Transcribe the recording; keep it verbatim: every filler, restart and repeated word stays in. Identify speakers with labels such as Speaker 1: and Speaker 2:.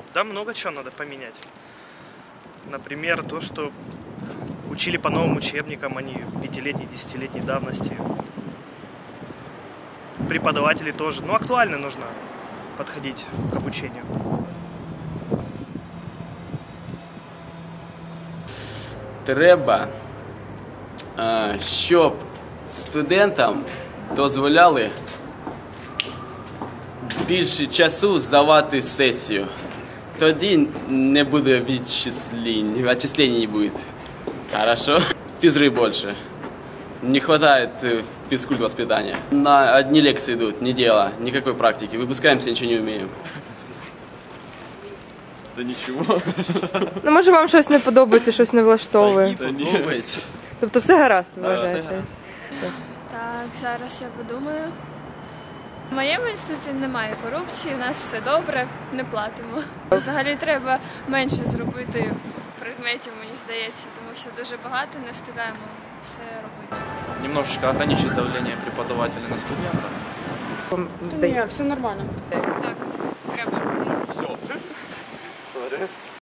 Speaker 1: Да, много чего надо поменять. Например, то, что учили по новым учебникам, а не пятилетней, десятилетней давности. Преподаватели тоже. Ну, актуально нужно подходить к обучению.
Speaker 2: Треба, щоб студентам дозволяли більше часу здавати сесію. Тоді не буде відчислень, отчислений не будет. Хорошо? Физры больше. Не хватает физкульт воспитания. На одни лекции идут, не дело, никакой практики. Выпускаемся, ничего не умеем.
Speaker 3: Та нічого.
Speaker 4: Ну, може, вам щось не подобається, щось не влаштовує.
Speaker 3: Та ні, подобається.
Speaker 4: Тобто все гаразд,
Speaker 3: Да,
Speaker 4: вважаєте?
Speaker 3: все гаразд.
Speaker 5: Так, зараз я подумаю. В моєму інституті немає корупції, у нас все добре, не платимо. Взагалі треба менше зробити предметів, мені здається, тому що дуже багато не встигаємо все робити.
Speaker 3: Немножечко ограничить давление преподавателя на студента.
Speaker 4: Вам здається?
Speaker 6: Ні, все нормально.
Speaker 5: Так, треба.
Speaker 3: Все.